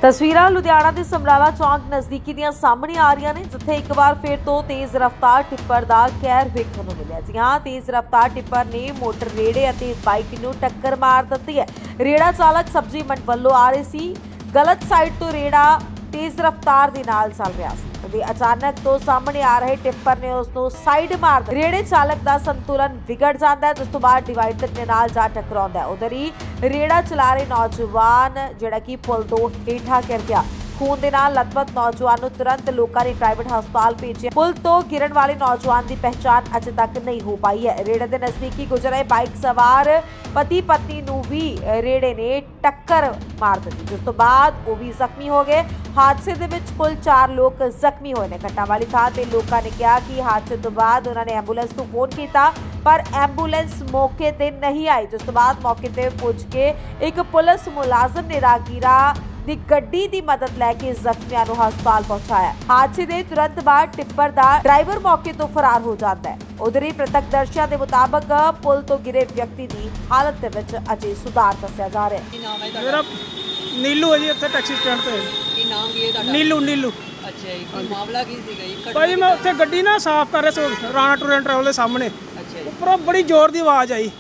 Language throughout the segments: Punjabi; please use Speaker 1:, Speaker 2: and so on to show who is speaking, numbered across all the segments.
Speaker 1: ਤਸਵੀਰਾਂ ਲੁਧਿਆਣਾ ਦੇ ਸਮਰਾਲਾ ਚੌਂਕ ਨਜ਼ਦੀਕੀ ਦੀਆਂ ਸਾਹਮਣੇ ਆ ਰਹੀਆਂ ਨੇ, ਜਿੱਥੇ ਇੱਕ ਵਾਰ ਫਿਰ ਤੋਂ ਤੇਜ਼ ਰਫ਼ਤਾਰ ਟਿੱਪਰ ਦਾ ਕਹਿਰ ਵੇਖਣ ਨੂੰ ਮਿਲਿਆ। ਜੀ ਹਾਂ, ਤੇਜ਼ ਰਫ਼ਤਾਰ ਟਿੱਪਰ ਨੇ ਮੋਟਰ ਰੇੜੇ ਅਤੇ ਬਾਈਕ ਨੂੰ ਟੱਕਰ ਮਾਰ ਦਿੱਤੀ ਹੈ। ਰੇੜਾ ਚਾਲਕ ਸਬਜ਼ੀ ਮੰਡੀ ਵੱਲੋਂ ਆ ਰਹੇ ਸੀ, ਗਲਤ ਸਾਈਡ ਤੋਂ ਰੇੜਾ ਤੇਜ਼ ਰਫ਼ਤਾਰ ਦੇ ਨਾਲ ਚੱਲ ਰਿਹਾ ਸੀ ਤੇ ਅਚਾਨਕ ਤੋਂ ਸਾਹਮਣੇ ਆ ਰਹੇ ਟਿੱਪਰ ਨੇ ਉਸ ਨੂੰ ਸਾਈਡ ਮਾਰ ਦਿੱਤਾ। ਰੇੜੇ ਚਾਲਕ ਦਾ ਸੰਤੁਲਨ ਵਿਗੜ ਜਾਂਦਾ ਹੈ, ਜਿਸ ਤੋਂ ਬਾਅਦ ਡਿਵਾਈਡਰ ਦੇ ਨਾਲ ਜਾ ਟਕਰਾਉਂਦਾ ਹੈ। ਉਧਰ ਹੀ ਰੇੜਾ ਚਲਾ ਰਹੇ ਨੌਜਵਾਨ ਜਿਹੜਾ ਕਿ ਪੁਲ ਤੋਂ ਹੇਠਾਂ ਗਿਰ ਗਿਆ। ਖੂਨ ਦੇ ਨਾਲ ਲਤਪਤ ਨੌਜਵਾਨ ਨੂੰ ਤੁਰੰਤ ਲੋਕਾਂ ਨੇ ਪ੍ਰਾਈਵੇਟ ਹਸਪਤਾਲ ਭੇਜਿਆ। ਪੁਲ ਤੋਂ ਗਿਰਨ ਵਾਲੇ ਨੌਜਵਾਨ ਦੀ ਪਹਿਚਾਣ ਅਜੇ ਤੱਕ ਨਹੀਂ ਹੋ ਪਾਈ ਹੈ। ਰੇੜੇ ਦੇ ਨਜ਼ਦੀਕੀ ਗੁਜ਼ਰ ਰਹੇ ਬਾਈਕ ਸਵਾਰ ਪਤੀ ਪਤਨੀ ਨੂੰ ਵੀ ਰੇੜੇ ਨੇ ਟੱਕਰ ਮਾਰ ਦਿੱਤੀ, ਜਿਸ ਤੋਂ ਬਾਅਦ ਉਹ ਵੀ ਜ਼ਖਮੀ ਹੋ ਗਏ। ਹਾਦਸੇ ਦੇ ਵਿੱਚ ਕੁੱਲ 4 ਲੋਕ ਜ਼ਖਮੀ ਹੋਏ ਨੇ। ਘਟਨਾ ਵਾਲੀ ਥਾਂ ਤੇ ਲੋਕਾਂ ਨੇ ਕਿਹਾ ਕਿ ਹਾਦਸੇ ਤੋਂ ਬਾਅਦ ਉਹਨਾਂ ਨੇ ਐਂਬੂਲੈਂਸ ਨੂੰ ਫੋਨ ਕੀਤਾ, ਪਰ ਐਂਬੂਲੈਂਸ ਮੌਕੇ ਤੇ ਨਹੀਂ ਆਈ, ਜਿਸ ਤੋਂ ਬਾਅਦ ਮੌਕੇ ਤੇ ਪੁੱਜ ਕੇ ਇੱਕ ਪੁਲਿਸ ਮੁਲਾਜ਼ਮ ਨੇ ਰਾਹਗੀਰਾਂ ਦੀ ਗੱਡੀ ਦੀ ਮਦਦ ਲੈ ਕੇ ਜ਼ਖਮੀਆਂ ਨੂੰ ਹਸਪਤਾਲ ਪਹੁੰਚਾਇਆ। ਹਾਦਸੇ ਦੇ ਤੁਰੰਤ ਬਾਅਦ ਟਿੱਪਰ ਦਾ ਡਰਾਈਵਰ ਮੌਕੇ ਤੋਂ ਫਰਾਰ ਹੋ ਜਾਂਦਾ ਹੈ। ਉਧਰ ਹੀ ਪ੍ਰਤੱਖਦਰਸ਼ੀਆਂ ਦੇ ਮੁਤਾਬਕ ਪੁਲ ਤੋਂ ਗਿਰੇ ਵਿਅਕਤੀ ਦੀ ਹਾਲਤ ਦੇ ਵਿੱਚ ਅਜੇ ਸੁਧਾਰ ਦੱਸਿਆ ਜਾ ਰਿਹਾ ਹੈ।
Speaker 2: ਕੀ ਨਾਮ ਹੈ ਤੁਹਾਡਾ?
Speaker 3: ਮੇਰਾ ਨੀਲੂ ਹੈ ਜੀ, ਇੱਥੇ ਟੈਕਸੀ ਸਟੈਂਡ ਤੇ।
Speaker 2: ਕੀ ਨਾਮ ਕੀ ਹੈ ਤੁਹਾਡਾ?
Speaker 3: ਨੀਲੂ।
Speaker 2: ਅੱਛਾ ਜੀ, ਕੀ ਮਾਮਲਾ ਕੀ ਸੀਗਾ ਜੀ?
Speaker 3: ਭਾਈ ਮੈਂ ਉੱਥੇ ਗੱਡੀ ਨਾ ਸਾਫ਼ ਕਰ ਰਿਹਾ ਸੀ ਰਾਣਾ ਟੂਰ ਐਂਡ ਟਰੈਵਲ ਦੇ ਸਾਹਮਣੇ।
Speaker 2: ਅੱਛਾ ਜੀ,
Speaker 3: ਉੱਪਰੋਂ ਬੜੀ ਜ਼ੋਰ ਦੀ ਆਵਾਜ਼ ਆਈ।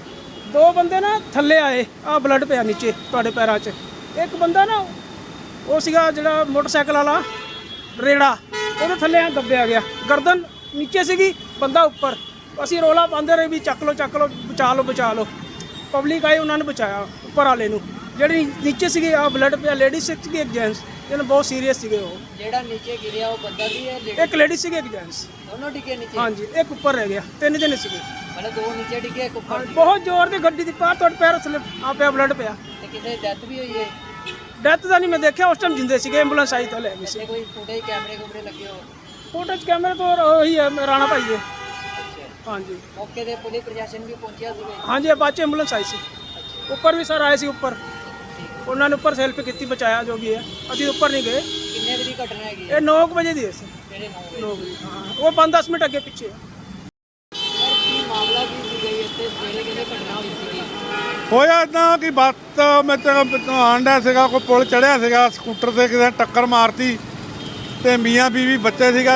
Speaker 3: 2 ਬੰਦੇ ਨਾ ਥੱਲੇ ਆਏ, ਆ ਬਲੱਡ ਪਿਆ ਨੀਚੇ ਤੁਹਾਡੇ ਪੈਰਾਂ 'ਚ। ਇੱਕ ਬੰਦਾ ਨਾ ਉਹ ਸੀਗਾ ਜਿਹੜਾ ਮੋਟਰਸਾਈਕਲ ਵਾਲਾ ਰੇੜਾ, ਉਹਦੇ ਥੱਲੇ ਆ ਦੱਬਿਆ ਗਿਆ। ਗਰਦਨ ਨੀਚੇ ਸੀਗੀ, ਬੰਦਾ ਉੱਪਰ। ਅਸੀਂ ਰੋਲਾ ਪਾਉਂਦੇ ਰਹੇ ਵੀ ਚੱਕ ਲਓ ਬਚਾ ਲਓ। ਪਬਲਿਕ ਆਈ, ਉਹਨਾਂ ਨੇ ਬਚਾਇਆ ਉੱਪਰ ਵਾਲੇ ਨੂੰ। ਜਿਹੜੀ ਨੀਚੇ ਸੀਗੀ ਆ ਬਲੱਡ ਪਿਆ, ਲੇਡੀਜ਼ ਸੀਗੀ ਇੱਕ ਜੈਂਟਸ, ਜਿਹਨੇ ਬਹੁਤ ਸੀਰੀਅਸ ਸੀਗੇ। ਉਹ
Speaker 2: ਜਿਹੜਾ ਨੀਚੇ ਗਿਰਿਆ ਉਹ ਬੰਦਾ ਸੀ ਜਾਂ ਲੇਡੀ?
Speaker 3: ਇੱਕ ਲੇਡੀ ਸੀਗੀ, ਇੱਕ ਜੈਂਟਸ।
Speaker 2: ਦੋਨੋਂ ਡਿੱਗੇ ਨੀਚੇ?
Speaker 3: ਹਾਂਜੀ, ਇੱਕ ਉੱਪਰ ਰਹਿ ਗਿਆ। 3 ਜਣੇ ਸੀਗੇ।
Speaker 2: ਮਤਲਬ 2 ਨੀਚੇ ਡਿੱਗੇ, ਇੱਕ ਉੱਪਰ।
Speaker 3: ਬਹੁਤ ਜ਼ੋਰ ਦੀ ਗੱਡੀ ਦੀ ਪਾਰ ਤੁਹਾਡੇ ਪੈਰ ਥੱਲੇ ਆ ਪਿਆ, ਬਲੱਡ ਪਿਆ।
Speaker 2: ਤੇ ਕਿਸੇ ਡੈਥ ਵੀ ਹੋਈ ਹੈ?
Speaker 3: ਡੈਥ ਦਾ ਨਹੀਂ ਮੈਂ ਦੇਖਿਆ, ਉਸ ਟਾਈਮ ਜਿੰਦੇ ਸੀਗੇ। ਐਂਬੂਲੈਂਸ ਆਈ ਤਾਂ ਲੈ ਗਈ ਸੀ।
Speaker 2: ਤੇ ਕੋਈ ਫੁਟੇਜ ਕੈਮਰੇ ਲੱਗੇ ਹੋ?
Speaker 3: ਫੋਟੋ 'ਚ ਕੈਮਰੇ ਤੋਂ ਉਹੀ ਹੈ ਰਾਣਾ ਭਾਈ ਦੇ।
Speaker 2: ਅੱਛਾ,
Speaker 3: ਹਾਂਜੀ
Speaker 2: ਮੌਕੇ ਤੇ ਪੁਲਿਸ ਪ੍ਰਸ਼ਾਸਨ ਵੀ ਪਹੁੰਚਿਆ ਸੀਗਾ?
Speaker 3: ਹਾਂਜੀ, ਬਾਅਦ ਐਂਬੂਲੈਂਸ ਆਈ ਸੀ। ਉੱਪਰ ਵੀ ਸਰ ਆਏ ਸੀ ਉੱਪਰ, ਉਹਨਾਂ ਨੇ ਉੱਪਰ ਹੈਲਪ ਕੀਤੀ, ਬਚਾਇਆ ਜੋ ਵੀ ਹੈ। ਅਸੀਂ ਉੱਪਰ ਨਹੀਂ ਗਏ।
Speaker 2: ਕਿੰਨੇ ਵਜੇ ਦੀ ਘਟਨਾ ਹੈਗੀ?
Speaker 3: ਇਹ 9 ਵਜੇ ਦੀ ਹੈ ਸਰ।
Speaker 2: ਕਿਹੜੇ
Speaker 3: 9 ਵਜੇ, ਹਾਂ। ਉਹ 5-10 ਮਿੰਟ ਅੱਗੇ ਪਿੱਛੇ।
Speaker 2: ਸਰ ਕੀ ਮਾਮਲਾ ਕੀ ਸੀਗਾ ਜੀ? ਇੱਥੇ ਸਵੇਰੇ ਕਿਹਨੇ ਘਟਨਾ ਹੋਈ ਸੀਗੀ?
Speaker 4: ਹੋਇਆ ਇੱਦਾਂ ਕਿ ਬੱਤ ਮੈਂ ਆਂਡਾ ਸੀਗਾ, ਕੋਈ ਪੁਲ ਚੜ੍ਹਿਆ ਸੀਗਾ, ਸਕੂਟਰ 'ਤੇ ਕਿਸੇ ਨੇ ਟੱਕਰ ਮਾਰਤੀ ਅਤੇ ਮੀਆਂ ਬੀਵੀ ਬੱਚੇ ਸੀਗਾ।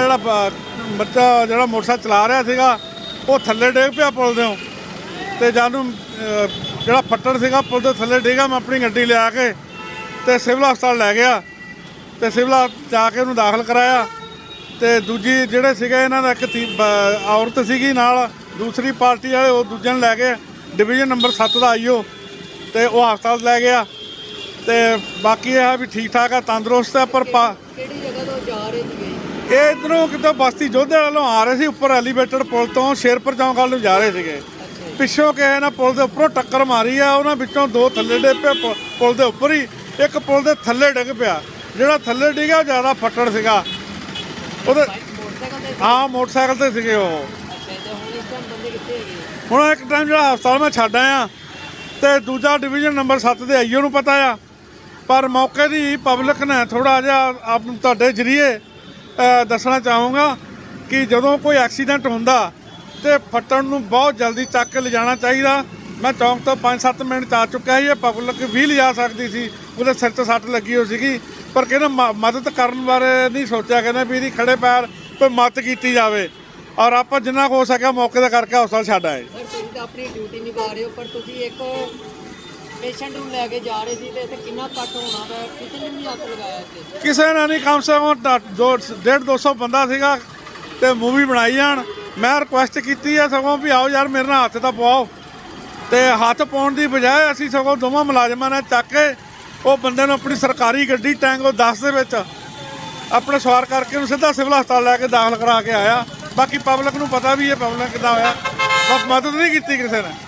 Speaker 4: ਬੱਚਾ ਜਿਹੜਾ ਮੋਟਰਸਾਈਕਲ ਚਲਾ ਰਿਹਾ ਸੀਗਾ, ਉਹ ਥੱਲੇ ਡਿੱਗ ਪਿਆ ਪੁਲ ਦਿਓ। ਅਤੇ ਜਾਨੂੰ ਜਿਹੜਾ ਫੱਟੜ ਸੀਗਾ ਪੁਲ ਦੇ ਥੱਲੇ ਡਿੱਗਾ, ਮੈਂ ਆਪਣੀ ਗੱਡੀ ਲਿਆ ਕੇ ਅਤੇ ਸਿਵਲ ਹਸਪਤਾਲ ਲੈ ਗਿਆ ਅਤੇ ਸਿਵਲ ਜਾ ਕੇ ਉਹਨੂੰ ਦਾਖਲ ਕਰਾਇਆ। ਅਤੇ ਦੂਜੀ ਜਿਹੜੇ ਸੀਗੇ ਇਹਨਾਂ ਦਾ ਇੱਕ ਔਰਤ ਸੀਗੀ ਨਾਲ, ਦੂਸਰੀ ਪਾਰਟੀ ਵਾਲੇ, ਉਹ ਦੂਜੇ ਨੂੰ ਲੈ ਕੇ ਡਿਵੀਜ਼ਨ ਨੰਬਰ 7 ਦਾ ਆਈਓ ਅਤੇ ਉਹ ਹਸਪਤਾਲ ਲੈ ਗਿਆ। ਅਤੇ ਬਾਕੀ ਇਹ ਆ ਵੀ ਠੀਕ ਠਾਕ ਆ, ਤੰਦਰੁਸਤ ਆ। ਪਰ
Speaker 2: ਕਿਹੜੀ ਜਗ੍ਹਾ ਤੋਂ ਜਾ ਰਹੇ ਸੀਗੇ?
Speaker 4: ਇਹ ਇੱਧਰੋਂ ਕਿਤੇ ਬਸਤੀ ਜੋਧੇ ਵੱਲੋਂ ਆ ਰਹੇ ਸੀ, ਉੱਪਰ ਐਲੀਵੇਟਡ ਪੁਲ ਤੋਂ ਸ਼ੇਰਪੁਰ ਚੌਂਕ ਵੱਲ ਨੂੰ ਜਾ ਰਹੇ ਸੀਗੇ। ਪਿੱਛੋਂ ਕਿਸੇ ਨੇ ਪੁਲ ਦੇ ਉੱਪਰੋਂ ਟੱਕਰ ਮਾਰੀ ਆ, ਉਹਨਾਂ ਵਿੱਚੋਂ 2 ਥੱਲੇ ਡਿੱਗ ਪਏ ਪੁਲ ਦੇ ਉੱਪਰ ਹੀ, ਇੱਕ ਪੁਲ ਦੇ ਥੱਲੇ ਡਿੱਗ ਪਿਆ। ਜਿਹੜਾ ਥੱਲੇ ਡਿੱਗਿਆ ਜ਼ਿਆਦਾ ਫੱਟੜ ਸੀਗਾ ਉਹਦੇ। ਹਾਂ, ਮੋਟਰਸਾਈਕਲ 'ਤੇ ਸੀਗੇ ਉਹ।
Speaker 2: ਅੱਛਾ, ਤੇ ਹੁਣ ਇਸ ਟਾਈਮ ਬੰਦੇ ਕਿੱਥੇ ਹੈਗੇ?
Speaker 4: ਹੁਣ ਇੱਕ ਟਾਈਮ ਜਿਹੜਾ ਹਸਪਤਾਲ ਮੈਂ ਛੱਡ ਆਇਆ ਅਤੇ ਦੂਜਾ ਡਿਵੀਜ਼ਨ ਨੰਬਰ 7 ਦੇ ਆਈਓ ਨੂੰ ਪਤਾ ਆ। ਪਰ ਮੌਕੇ ਦੀ ਪਬਲਿਕ ਨੇ ਥੋੜ੍ਹਾ ਜਿਹਾ ਤੁਹਾਡੇ ਜ਼ਰੀਏ ਦੱਸਣਾ ਚਾਹੂੰਗਾ ਕਿ ਜਦੋਂ ਕੋਈ ਐਕਸੀਡੈਂਟ ਹੁੰਦਾ ਅਤੇ ਫੱਟੜ ਨੂੰ ਬਹੁਤ ਜਲਦੀ ਚੱਕ ਕੇ ਲਿਜਾਣਾ ਚਾਹੀਦਾ। ਮੈਂ ਚੌਂਕ ਤੋਂ 5-7 ਮਿੰਟ 'ਚ ਆ ਚੁੱਕਿਆ ਸੀ। ਇਹ ਪਬਲਿਕ ਵੀ ਲਿਜਾ ਸਕਦੀ ਸੀ, ਉਹਦੇ ਸਿਰ 'ਤੇ ਸੱਟ ਲੱਗੀ ਹੋਈ ਸੀਗੀ, ਪਰ ਕਹਿੰਦੇ ਮਦਦ ਕਰਨ ਬਾਰੇ ਨਹੀਂ ਸੋਚਿਆ। ਕਹਿੰਦੇ ਵੀ ਇਹਦੀ ਖੜੇ ਪੈਰ ਕੋਈ ਮਦਦ ਕੀਤੀ ਜਾਵੇ, ਔਰ ਆਪਾਂ ਜਿੰਨਾ ਹੋ ਸਕਿਆ ਮੌਕੇ 'ਤੇ ਕਰਕੇ ਹਸਪਤਾਲ ਛੱਡ ਆਏ।
Speaker 2: ਸਰ ਤੁਸੀਂ ਤਾਂ ਆਪਣੀ ਡਿਊਟੀ ਨਿਭਾ ਰਹੇ ਹੋ, ਪਰ ਤੁਸੀਂ ਇੱਕ ਪੇਸ਼ੈਂਟ ਨੂੰ ਲੈ ਕੇ ਜਾ ਰਹੇ ਸੀ ਤੇ ਇੱਥੇ ਕਿੰਨਾ ਕੱਟ ਹੋਣਾ ਵਾ? ਕਿਸੇ ਨੇ ਨਹੀਂ ਹੱਥ ਲਗਾਇਆ ਇੱਥੇ?
Speaker 4: ਕਿਸੇ ਨੇ ਨਹੀਂ, ਕਮ ਸੇ ਕਮ 150-200 ਬੰਦਾ ਸੀਗਾ ਅਤੇ ਮੂਵੀ ਬਣਾਈ ਜਾਣ। ਮੈਂ ਰਿਕੁਐਸਟ ਕੀਤੀ ਹੈ ਸਗੋਂ ਵੀ ਆਓ ਯਾਰ ਮੇਰੇ ਨਾਲ ਹੱਥ ਤਾਂ ਪਵਾਓ, ਅਤੇ ਹੱਥ ਪਾਉਣ ਦੀ ਬਜਾਏ ਅਸੀਂ ਸਗੋਂ ਦੋਵਾਂ ਮੁਲਾਜ਼ਮਾਂ ਨੇ ਚੱਕ ਕੇ ਉਹ ਬੰਦੇ ਨੂੰ ਆਪਣੀ ਸਰਕਾਰੀ ਗੱਡੀ ਟੈਂਗੋ 10 ਦੇ ਵਿੱਚ ਆਪਣੇ ਸਵਾਰ ਕਰਕੇ ਉਹਨੂੰ ਸਿੱਧਾ ਸਿਵਲ ਹਸਪਤਾਲ ਲੈ ਕੇ ਦਾਖਲ ਕਰਾ ਕੇ ਆਇਆ। ਬਾਕੀ ਪਬਲਿਕ ਨੂੰ ਪਤਾ ਵੀ ਇਹ ਪਬਲਿਕ ਕਿੱਦਾਂ ਹੋਇਆ, ਬਸ ਮਦਦ ਨਹੀਂ ਕੀਤੀ ਕਿਸੇ ਨੇ।